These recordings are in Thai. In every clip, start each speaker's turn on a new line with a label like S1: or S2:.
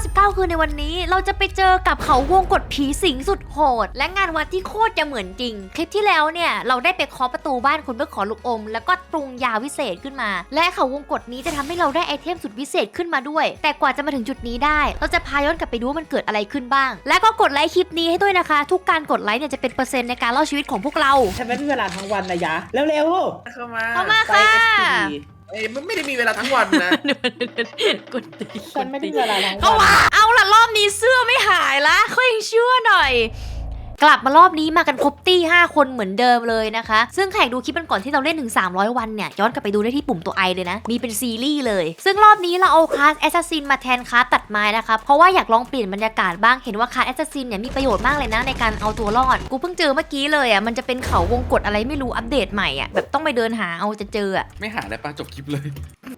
S1: 99 คืนในวันนี้เราจะไปเจอกับเขาวงกฏผีสิงสุดโหดและงานวัดที่โคตรจะเหมือนจริงคลิปที่แล้วเนี่ยเราได้ไปเคาะประตูบ้านคุณเพื่อขอลูกอมแล้วก็ปรุงยาวิเศษขึ้นมาและเขาวงกฏนี้จะทำให้เราได้ไอเทมสุดวิเศษขึ้นมาด้วยแต่กว่าจะมาถึงจุดนี้ได้เราจะพาย้อนกลับไปดูว่ามันเกิดอะไรขึ้นบ้างและก็กดไลค์คลิปนี้ให้ด้วยนะคะทุกการกดไลค์เนี่ยจะเป็นเปอร์เซ็นต์ในการเล่าชีวิตของพวกเรา
S2: ฉันไม่มีเวลาทั้งวันนะยะเร็ว
S3: เข้ามา
S1: เข้ามา
S2: ๆไป
S1: ค่ะ
S2: FTV
S3: มันไม่ได้มีเวลาทั้งวันนะ
S1: กดตี
S2: ฉันไม่ได้มีเวลาทั้ง
S1: เข้า
S2: วัน
S1: มาเอาล่ะรอบนี้เสื้อไม่หายละเขายังเชื่อหน่อย กลับมารอบนี้มากันครบตี้5 คนเหมือนเดิมเลยนะคะซึ่งแขกดูคลิปกันก่อนที่เราเล่นถึง300 วันเนี่ยย้อนกลับไปดูได้ที่ปุ่มตัวไอเลยนะมีเป็นซีรีส์เลยซึ่งรอบนี้เราเอาคลาสแอสซัสซินมาแทนคลาสตัดไม้นะคะเพราะว่าอยากลองเปลี่ยนบรรยากาศบ้างเห็นว่าคลาสแอสซัสซินเนี่ยมีประโยชน์มากเลยนะในการเอาตัวรอดกูเพิ่งเจอเมื่อกี้เลยอ่ะมันจะเป็นเขาวงกฏอะไรไม่รู้อัปเดตใหม่อ่ะแบบต้องไปเดินหาเอาจะเจออ่ะ
S3: ไม่หาได้ปะจบคลิปเลย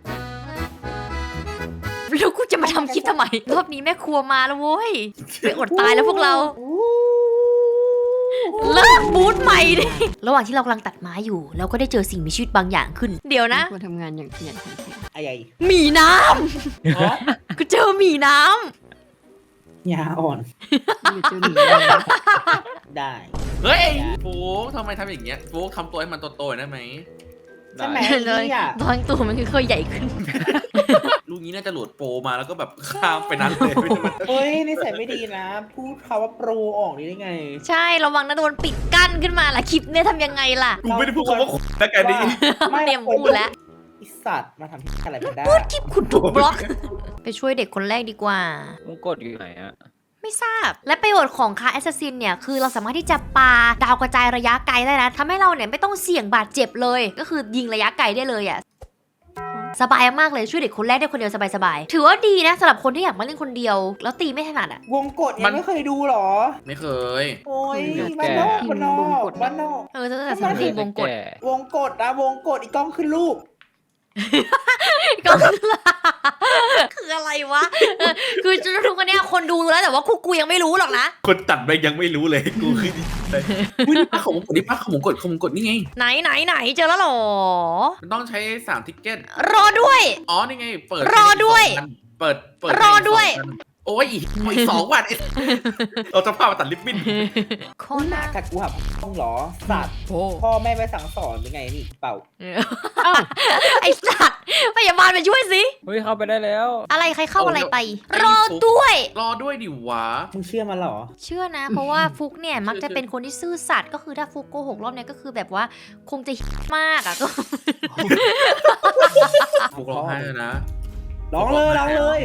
S1: แล้วกูจะมาทำคลิปทำไมรอบนี้แม่ครัวมาแล้วโว้ยไปอดตายแล้วพวกเราเลิกบูทใหม่ดิระหว่างที่เรากำลังตัดไม้อยู่เราก็ได้เจอสิ่งมีชีวิตบางอย่างขึ้นเดี๋ยวนะ
S4: ควรทำงานอย่างขยันขันแข็ง
S2: อะไร
S1: หมีน้
S2: ฮะ
S1: ำกูเจอหมีน้
S2: ยาอ่อน
S4: อยู่เจ้าหนีเลยนะ
S2: ได้
S3: เฮ้ยโฟกทำไมทำอย่างเงี้ยโฟกทำตัวให้มันโตๆได้ไหม
S2: ใช่ไหม
S3: ด้
S2: นี่อ่ะ
S1: ำบางตัวมันค่อยๆใหญ่ขึ้น
S3: ลูกนี้น่าจะโหลดโปรมาแล้วก็แบบข้ามไปนั้นเลย
S2: เฮ้ยนิสัยไม่ดีนะ พูดคำว่าโปรออกนี่ได้ไง
S1: ใช่ระวังนะโดนปิดกั้นขึ้นมาล่ะคลิปเนี่ยทำยังไงล่ะ
S3: กูไม่ได้พูดคำว่าขุดนะกันนี่
S1: เตรียมพูดแล้ว
S2: ไอสัตว์มาทำที่อะไรไม่ได้
S1: คลิปคุณถูกบล็อก ไปช่วยเด็กคนแรกดีกว่า
S5: วงกดอยู่ไหนอะ
S1: ไม่ทราบ และประโยชน์ของคาแอสซัสซินเนี่ยคือเราสามารถที่จะปาดาวกระจายระยะไกลได้นะทำให้เราเนี่ยไม่ต้องเสี่ยงบาดเจ็บเลย ก็คือยิงระยะไกลได้เลยอ่ะสบายมากเลยช่วยเด็กคนแรกได้คนเดียวสบายๆถือว่าดีนะสำหรับคนที่อยากมาเล่นคนเดียว แล้วตีไม่ถนัดอ่ะ
S2: วงกดยังไม่เคยดูหรอ
S3: ไม่เคย
S2: โอ้ยบ้านนอกบ้านนอกบ้านนอก
S1: จะแต่สำหรับทีมวงกด
S2: วงกดนะวงกดอีกกล้องขึ้นรูป
S1: ก็คืออะไรวะคือทุกคนเนี่ยคนดูรู้แล้วแต่ว่ากูยังไม่รู้หรอกนะ
S3: คนตัดไปยังไม่รู้เลยกูคืออุ้ยนี่ป้าของมงกดนี่ป้าของมงกดนี่ไง
S1: ไหนเจอแล้วเหรอ
S3: มันต้องใช้3ทิกเก็ต
S1: รอด้วย
S3: อ๋อนี่ไงเปิด
S1: รอด้วย
S3: เปิด
S1: รอด้วย
S3: โอ้ยอีก2 วันเราจะพามาตัดลิปบิ้น
S1: โค
S2: คุณ
S1: ตร
S2: หนากัดกูหับห้องเหรอสัตว์
S4: โอ้
S2: พ่อแม่ไปสั่งสอนหรือไงนี่เปล่า
S1: ไอสัตว์พยาบาลไปช่วยสิ
S5: เฮ้ยเข้าไปได้แล้ว
S1: อะไรใครเข้าอะไรไป รอด้วย
S3: รอด้วยดิวะ
S2: มึงเชื่อมันเหรอ
S1: เชื่อนะ เพราะว่าฟุกเนี่ยมักจะเป็นคนที่ซื่อสัตย์ก็คือถ้าฟุกโกหกรอบเนี้ยก็คือแบบว่าคงจะมากอ่ะก็
S3: ฟุกร้องไห้เลยนะ
S2: ร้องเลย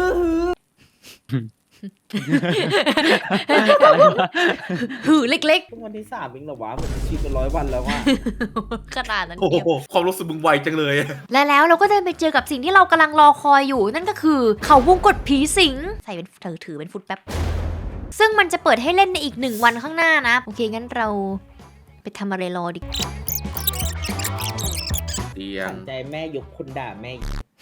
S1: หือเล็ก
S2: ทุกวันที่3เองเหรอวะมันชีวิตเป็น100 วันแล้วว่ะ
S1: ๆขนาดนั้น
S3: โอ้
S1: เดียว
S3: โหความรู้สึกมึงไวจังเลย
S1: และแล้วเราก็เดินไปเจอกับสิ่งที่เรากำลังรอคอยอยู่ นั่นก็คือเขาวงกฏผีสิงใส่เป็นถือเป็นฟุตแป๊บซึ่งมันจะเปิดให้เล่นในอีก1 วันข้างหน้านะโอเคงั้นเราไปทำอะไรรอดีกว่า
S3: เตียง
S2: สนใจแม่ยกคนด่าแม่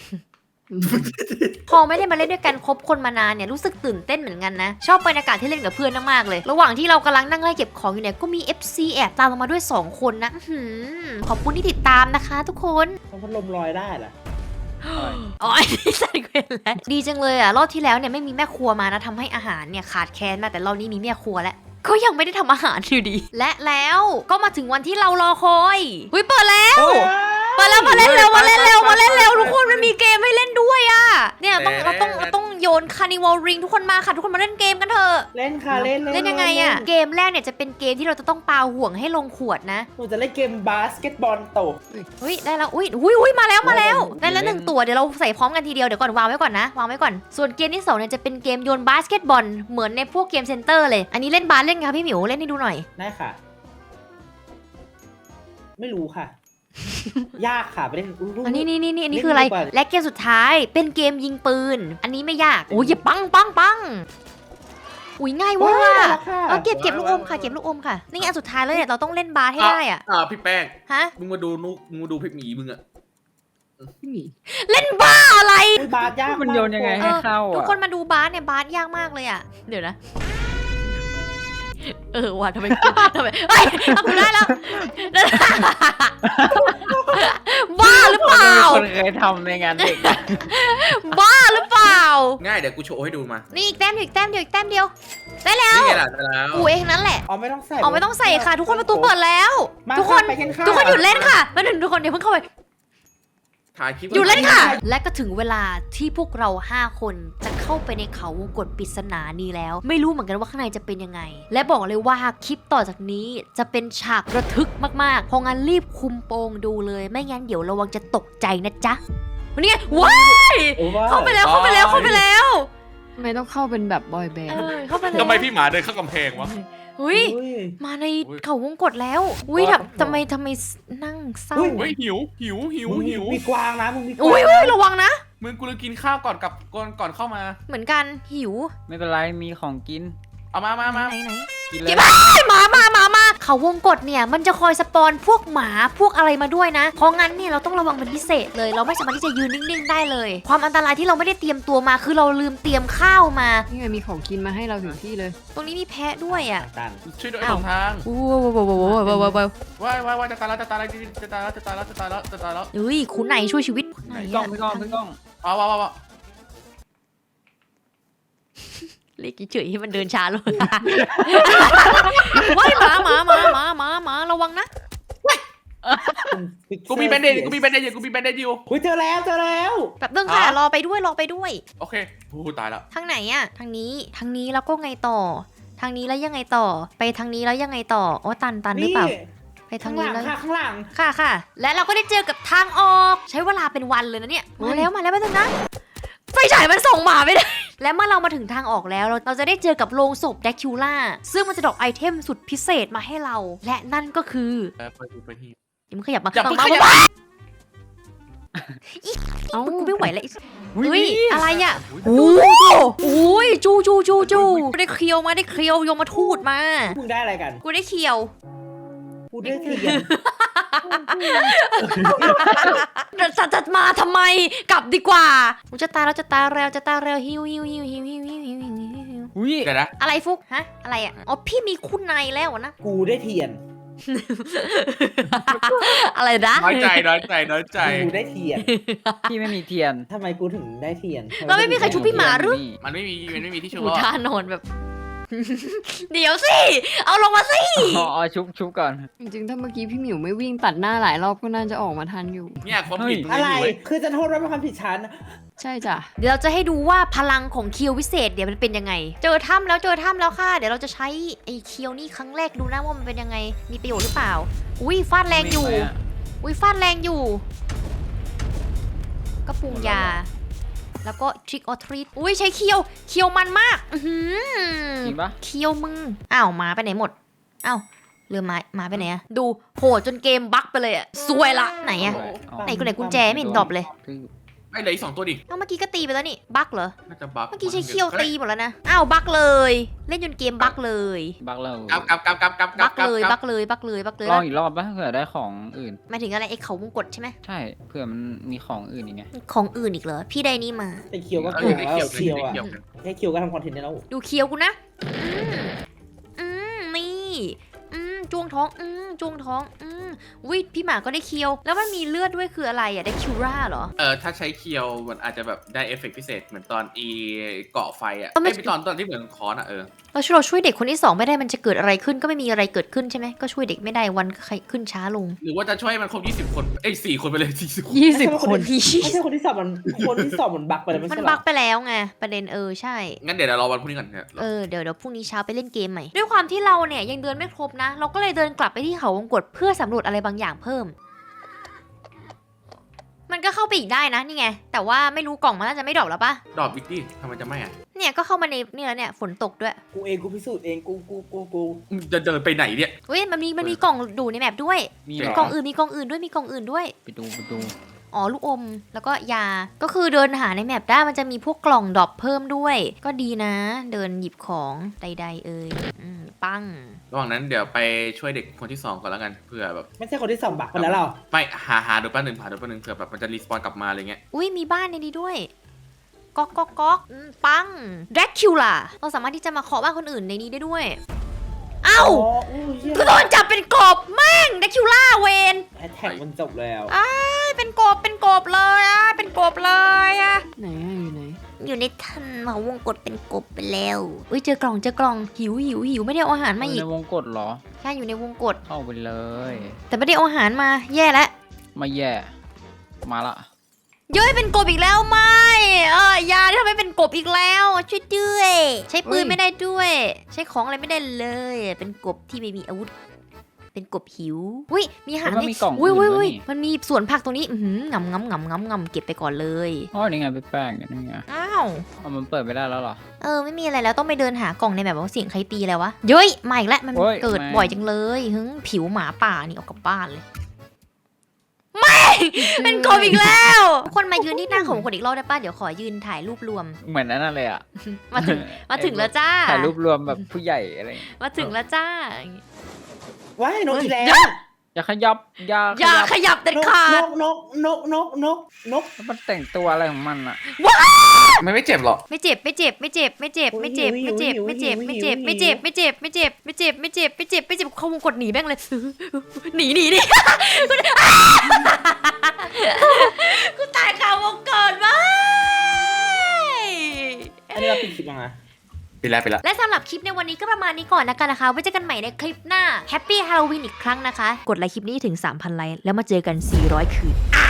S1: พอไม่ได้มาเล่นด้วยกันครบคนมานานเนี่ยรู้สึกตื่นเต้นเหมือนกันนะชอบบรรยากาศที่เล่นกับเพื่อนมากๆเลยระหว่างที่เรากำลังนั่งไล่เก็บของอยู่เนี่ยก็มี FC แอบตามเรามาด้วย2 คนนะขอบคุณที่ติดตามนะคะทุกคน
S2: ต้องพัดลมลอยได้เหรอ
S1: อ๋อนี่ใส่เกวนแล้วดีจังเลยอ่ะรอบที่แล้วเนี่ยไม่มีแม่ครัวมานะทำให้อาหารเนี่ยขาดแคลนมากแต่รอบนี้มีแม่ครัวแล้วก็ยังไม่ได้ทำอาหารอยู่ดี และแล้วก็มาถึงวันที่เรารอคอยหุ้ยเปิดแล้วมาเล่นเร็วทุกคนมันมีเกมให้เล่นด้วยอ่ะเนี่ยเราต้องโยนคาร์นิวัลริงทุกคนมาค่ะทุกคนมาเล่นเกมกันเถอะ
S2: เล่นค่ะเล่น
S1: เล่นยังไงอ่ะเกมแรกเนี่ยจะเป็นเกมที่เราจะต้องปาห่วงให้ลงขวดนะ
S2: หนูจะเล่นเกมบาสเกตบอลโต
S1: เฮ้ยได้แล้วอุ้ยมาแล้วได้แล้ว1 ตัวเดี๋ยวเราใส่พร้อมกันทีเดียวเดี๋ยวก่อนวางไว้ก่อนนะวางไว้ก่อนส่วนเกมที่2เนี่ยจะเป็นเกมโยนบาสเกตบอลเหมือนในพวกเกมเซ็นเตอร์เลยอันนี้เล่นบาสเล่นไงคะพี่หมิวเล่นให้ดูหน่อย
S2: ได้ค่ะ ไม่รู้ค่ะ ยากค่ะไปเล่น
S1: อันนี้คืออะไรและเกมสุดท้ายเป็นเกมยิงปืนอันนี้ไม่ยากโอ้ยอย่าปังอุ้ยง่ายว่าเก็บลูกอมค่ะเก็บลูกอมค่ะนี่อันสุดท้ายเลยเนี่ยเราต้องเล่นบาสให้ได้อ่ะ
S3: พี่แป้ง
S1: ฮะ
S3: มึงมาดูพี่หมีมึงอะ
S4: พี่หมี
S1: เล่นบ้าอะไร
S2: บาสยาก
S5: มันโยนยังไงให้เข้า
S1: ทุก
S5: อ่ะ
S1: คนมาดูบาสเนี่ยบาสยากมากเลยอ่ะเดี๋ยวนะว่ะทำไมเฮ้ยทำกูได้แล้วบ้าหรือเปล่าเปล่า
S5: คนเคยทำในงานเด็ก
S1: บ้าหรือเปล่า
S3: ง่ายเดี๋ยวกูโชว์ให้ดูมา
S1: นี่อีกแต้มเดียวอีกแต้มเดียวอีกแต้มเดียวได้แล้ว
S3: นี่ไงล่ะได้แล้ว
S1: กูเองนั่นแหละ
S2: อ๋อไม่ต้องใส่
S1: อ๋อไม่ต้องใส่ค่ะ ทุกคนประตูเปิดแล้ว
S2: มา
S1: ทุกคน
S2: ไปกันค่ะ
S1: ทุกคนหยุดเล่นค่ะแล้วทุกคนเดี๋ยวเพิ่งเข้าไป
S3: ถ่ายคลิป
S1: หยุดเล่นค่ะ และก็ถึงเวลาที่พวกเรา 5 คนจะเข้าไปในเขาวงกตปริศนานี้แล้ว ไม่รู้เหมือนกันว่าข้างในจะเป็นยังไง และบอกเลยว่าคลิปต่อจากนี้จะเป็นฉากระทึกมากๆเพราะงั้นรีบคุมโปงดูเลย ไม่งั้นเดี๋ยวระวังจะตกใจนะจ๊ะวันนี้ว้าย
S2: โอ้ว้
S1: เข้าไปแล้วเข้าไปแล้วเข้าไปแล้ว
S4: ทำไมต้องเข้าเป็นแบบบอยแบนด์
S1: เข้าไปแล้ว
S6: ทำไมพี่หมาเดินเข้ากำแพงวะ
S1: อุ้ย
S2: อุ้ย
S1: มาในเขาวงกตแล้วอุ้ยทำไมนั่งเศร้า
S2: อุ้ย
S6: เฮ้ยหิว
S2: มีกวางนะมึงมีกวาง
S1: อุ้ยระวังนะ
S6: มึงกูเลยกินข้าวก่อนก่อนเข้ามา
S1: เหมือนกันหิว
S5: ไม่เป็นไรมีของกิน
S6: เอามา
S1: ไหน
S5: กินเล
S1: เก็
S5: ย
S1: บมาเขาวงกตเนี่ยมันจะคอยสปอนพวกหมาพวกอะไรมาด้วยนะ เพราะงั้นเนี่ยเราต้องระวังเป็นพิเศษเลย เราไม่สามารถที่จะยืนนิ่งๆได้เลย ความอันตรายที่เราไม่ได้เตรียมตัวมาคือเราลืมเตรียมข้าวมา
S4: นี่ไงมีของกินมาให้เราถึงที่เลย
S1: ตรงนี้มีแพะด้วยอ่ะ
S2: ตัน
S6: ช่วยด้วย
S1: อ้าว
S6: หลงทาง
S1: ว้าว
S6: ว่ายจะตายแล้ว
S1: เฮ้ยคุณไหนช่วยชีวิตไหน
S5: พี่ก้องพี่ก้องพี่ก้อง
S6: ว้าว
S1: เล็กเฉยๆให้มันเดินช้าลงว้ายหมาระวังนะ
S6: กูมีแบนเดจอยู่
S2: อุ้ยเจอแล้ว
S1: แบบเรื่องค่ะรอไปด้วย
S6: โอเคโอ้ตายแล้ว
S1: ทางไหนอะทางนี้แล้วก็ไงต่อ ทางนี้แล้วยังไงต่อ ไปทางนี้แล้วยังไงต่อโอ้ตันหรือเปล่า ไปทา
S2: ข้าง งห
S1: นี้
S2: ลัง
S1: แล้ว
S2: ค่ะข้างหลัง
S1: ค่ะ และเราก็ได้เจอกับทางออก ใช้เวลาเป็นวันเลยนะเนี่ย มาแล้วแป๊บนึงนะ ไฟฉายมันส่งหมาไม่ได้ และเมื่อเรามาถึงทางออกแล้ว เราจะได้เจอกับโลงศพแดคิวล่า ซึ่งมันจะดรอปไอเทมสุดพิเศษมาให้เรา และนั่นก็คือ
S6: ไปที่
S1: อย่ามึงขยับมา
S6: อย่าเพิ่ง
S1: มา
S6: ขยับ
S1: เอ้ากูไม่ไหวแล้วเฮ้ย อะไรอ่ะ
S6: โอ้
S1: โอ้ยจูได้เคียวมาได้เคียวยมทูตมา
S2: มึงได้อะไรกัน
S1: กูได้เคียว
S2: กูได้เทียน
S1: จะมาทำไม กลับดีกว่ากูจะตายแล้วหิว
S5: อุ้ย
S6: เดี๋ยวนะ
S1: อะไรฟุกฮะอะไรอ่ะอ๋อพี่มีคุณในแล้วนะ
S2: กูได้เทียน
S1: อะไรนะ
S6: น้อยใจ
S2: กูได้เทียน
S5: พี่ไม่มีเทียน
S2: ทำไมกูถึงได้เทียน
S1: เราไม่มีใครชุบพี่หมาหรือ
S6: มันไม่มีที่ชู
S1: หมู
S6: รอด
S1: ท่านอนแบบ เดี๋ยวสิ เอาลงมาสิ
S5: อ๋อชุบก่อน
S4: จริงๆถ้าเมื่อกี้พี่หมิวไม่วิ่งตัดหน้าหลายรอบก็น่าจะออกมาทันอยู่
S6: เนี่ยความผิดมึง
S2: อะไร
S6: อยู่เว้ย
S2: คือจะโทษว่าเป็นความผิดฉัน
S4: ใช่จ้ะ
S1: เดี๋ยวเราจะให้ดูว่าพลังของเคียววิเศษเดี๋ยวมันเป็นยังไง เจอถ้ำแล้วค่ะ เดี๋ยวเราจะใช้ไอ้เคียวนี่ครั้งแรกดูนะว่ามันเป็นยังไง มีประโยชน์หรือเปล่า อุ้ยฟาดแรงอยู่ ก็ปรุงยา แล้วก็ทริกออทรีตอุ้ยใช้เคียวมันมาก
S5: จริงปะ
S1: เคียวมึง อ้าวหมาไปไหนหมด อ้าวเรือหมาไปไหนอะดูโหดจนเกมบั๊กไปเลยอะซวยละไหนอะ ไหนกุญแจไม่เห็นดรอปเลย
S6: ไม่เหลืออีก2ตัวดิ
S1: เอ้าเมื่อกี้ก็ตีไปแล้วนี่ บั๊กเหรอ
S6: น่าจะบัก
S1: เมื่อกี้ใช้เคียวตีหมดแล้วนะ อ้าวบั๊กเลย เล่นจนเกมบั๊กเลย
S5: บักเรา
S6: กลับ
S1: บั๊กเลย
S5: ลองอีกรอบปะเผื่อได้ของอื่น
S1: หมายถึงอะไรไอ้เขาวงกตใช่ไหม
S5: ใช่เผื่อมันมีของอื่นอีกไง
S1: ของอื่นอีกเหรอ พี่ได้นี่มา
S2: แต่เคียวก็
S6: เอา
S2: เก่ง
S6: ได้
S2: แล้ว
S6: เกี่ยว
S2: เคียวอ่ะแค่เคียวก็ทำคอนเทนต์ได้แล้ว
S1: ดูเคียวกูนะนี่จ้วงท้องวิพี่หมาก็ได้เคียว แล้วมันมีเลือดด้วยคืออะไรอะได้คิวราเหรอ
S3: ถ้าใช้เคียวมันอาจจะแบบได้เอฟเฟกต์พิเศษเหมือนตอนเกาะไฟอ่ะ
S1: ไม่
S3: ไม่ตอนที่เหมือนคอนอ่ะ
S1: เราช่วยเด็กคนที่2ไม่ได้มันจะเกิดอะไรขึ้นก็ไม่มีอะไรเกิดขึ้นใช่ไหมก็ช่วยเด็กไม่ได้วันก็ขึ้นช้าลง
S3: หรือว่าจะช่วยมันครบ20 คน4 คนไปเลย40 คน
S4: 20 คน
S2: ไม่ใช่คนที่สอบมันบักไปแล้วไม่
S1: มัน
S2: ใช่หร
S1: บั
S2: อ
S1: กไปแล้วไงประเด็นใช่
S3: งั้นเดี๋ยวเรารอวันพรุ่งนี้ก่อนเนี่ย
S1: เดี๋ยวพรุ่งนี้เช้าไปเล่นเกมใหม่ ด้วยความที่เราเนี่ยยังเดินไม่ครบนะ เราก็เลยเดินกลับไปที่เขาวงกตเพื่อสำรวจอะไรบางอย่างเพิ่ม มันก็เข้าไปอีกได้นะนี่ไง แต่ว่าไม่รู้กล่องมันน่าจะไม่ดรอปแล้วปะ
S3: ดอบวิกกี้ทำไมจะไม่อ่ะ
S1: เนี่ยก็เข้ามาในนี่แล้วเนี่ยฝนตกด้วย
S2: กูเองกูพิสูจน์เองกู
S3: จะเดินไปไหนเนี่ย
S1: เฮ้ยมันมีกล่องดูในแมปด้วย
S5: มี
S1: มี
S5: เหร
S1: กล่
S5: อ
S1: องอื่นด้วย
S5: ไปดู
S1: อ๋อลูกอมแล้วก็ยาก็คือเดินหาในแมปได้มันจะมีพวกกล่องดรอปเพิ่มด้วย ก็ดีนะ เดินหยิบของใดๆปัง
S3: ระหว่างนั้นเดี๋ยวไปช่วยเด็กคนที่2ก่อนแล้วกันเผื่อแบบ
S2: ไม่ใช่คนที่สอบบักไปแล้วหรอ
S3: ไม่หาดูแป๊บนึงเผื่อแบบมันจะรีสปอนกลับมาอะไรเงี้ย
S1: อุ้ยมีบ้านในนี้ด้วยก๊อกปังแดร็กคิวล่าเราสามารถที่จะมาเคาะบ้านคนอื่นในนี้ได้ด้วยเอ้ากูโดนจับเป็นกบแม่งแดร็กคิวล่าเวน
S2: แอทแท็กมันจบแล้ว
S1: ไปเป็นกบเลยอะเป็นกบเลยอะ
S4: ไหนอะอยู่ไหน
S1: อยู่ในทันมาวงกดเป็นกบไปแล้วอุ้ยเจอกล่องหิวไม่ได้เอาอาหารมาอีก
S5: ในวงกดเหรอ
S1: แค่อยู่ในวงกด
S5: เข้าไปเลย
S1: แต่ไม่ได้เอาอาหารมาแย่แล้ว
S5: มาแย่ มาละ
S1: เย้ยเป็นกบอีกแล้วไม่ยาที่ทำให้เป็นกบอีกแล้วช่วยด้วยใช้ปืนไม่ได้ด้วย ใช้ของอะไรไม่ได้เลย เป็นกบที่ไม่มีอาวุธ เป็นกบหิวอุ้ยมีอาหาร
S5: แล้วมันมีกล่อง
S1: อุ้ย
S5: อื่นด้วย
S1: อุ้ย
S5: นี่
S1: มันมีสวนผักตรงนี้งำเก็บไปก่อนเลย
S5: อ๋อนี่ไงไปแป้งนี่ไง
S1: อ้าว
S5: เอามันเปิดไม่ได้แล้วเหรอ
S1: ไม่มีอะไรแล้วต้องไปเดินหากล่องในแบบว่าเสียงใครตีแล้ววะเย้ยมาอีกแล้วมัน
S5: โอ้ย
S1: เกิด
S5: ไม่
S1: บ่อยจังเลยผิวหมาป่านี่ออกกลับบ้านเลยไม่ เป็นกบอีกแล้วทุกคนมายืนที่หน้าของคนอีกรอบได้ป่ะเดี๋ยวขอยืนถ่ายรูปรวม
S5: เหมือนนั่นเลยอ่ะ
S1: มาถึงแล้วจ้า
S5: ถ่ายรูปรวมแบบผู้ใหญ่อะไรอย่างเงี้ย
S1: มาถึงแล้วจ้า
S2: ว้ายนกอีกแล้ว
S5: อย่าขยับ อย่า
S1: อย่าขยับเด็ด
S2: นก
S1: ขาด
S2: นก
S5: แล้วมันแต่งตัวอะไรของมันอ่ะ
S6: มันไม่เจ็บหรอก
S1: ไม่เจ็บเขาวงกดหนีแม่งเลยหนีกูตายคาวงกดว้าย
S2: อันนี้เราปิดคลิปยังไง
S6: ไปแล้ว
S1: และสำหรับคลิปในวันนี้ก็ประมาณนี้ก่อนนะคะไว้เจอกันใหม่ในคลิปหน้าแฮปปี้ฮาโลวีนอีกครั้งนะคะกดไลค์คลิปนี้ถึง 3,000 ไลค์แล้วมาเจอกัน400 คืน